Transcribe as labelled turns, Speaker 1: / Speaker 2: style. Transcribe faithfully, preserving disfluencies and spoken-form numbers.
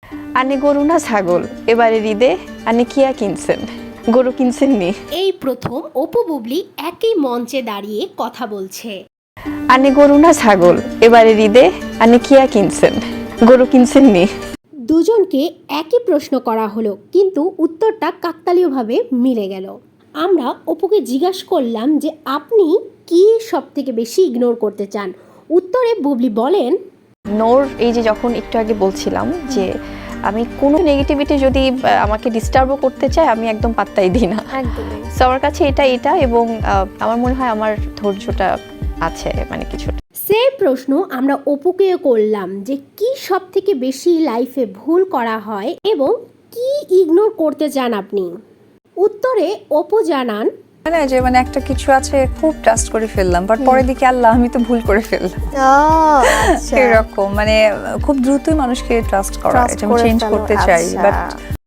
Speaker 1: আনে গরু না ছাগল, এবারে ঈদে আনে কিয়া কিনছেন, গরু কিনছেন নি?
Speaker 2: এই প্রথম অপু বুবলি একই মঞ্চে দাঁড়িয়ে কথা বলছে।
Speaker 1: আনে গরু না ছাগল, এবারে ঈদে আনে কিয়া কিনছেন, গরু কিনছেন নি?
Speaker 2: দুজনকে একই প্রশ্ন করা হলো, কিন্তু উত্তরটা কাকতালীয়ভাবে মিলে গেল। আমরা অপুকে জিজ্ঞাসা করলাম যে আপনি কি সব থেকে বেশি ইগনোর করতে চান। উত্তরে বুবলি বলেন,
Speaker 1: নোর এই যে যখন একটু আগে বলছিলাম যে আমি কোনো নেগেটিভিটি যদি আহ, আমাকে ডিস্টার্বও করতে চায় আমি একদম পাত্তাই দিই না।
Speaker 2: একদমই।
Speaker 1: সো আমার কাছে এটা এটা এবং আহ, আমার মনে হয় আমার ধৈর্যটা আছে মানে কিছুটা।
Speaker 2: সেম প্রশ্ন আমরা অপুকে করলাম যে কি সব থেকে বেশি লাইফে ভুল করা হয় এবং কি ইগনোর করতে চান আপনি। উত্তরে অপু জানান,
Speaker 3: মানে যে মানে একটা কিছু আছে খুব ট্রাস্ট করে ফেললাম, বাট পরে দেখি আল্লাহ আমি তো ভুল করে ফেললাম, এরকম মানে খুব দ্রুতই মানুষকে ট্রাস্ট করা, এটা আমি চেঞ্জ করতে চাই, বাট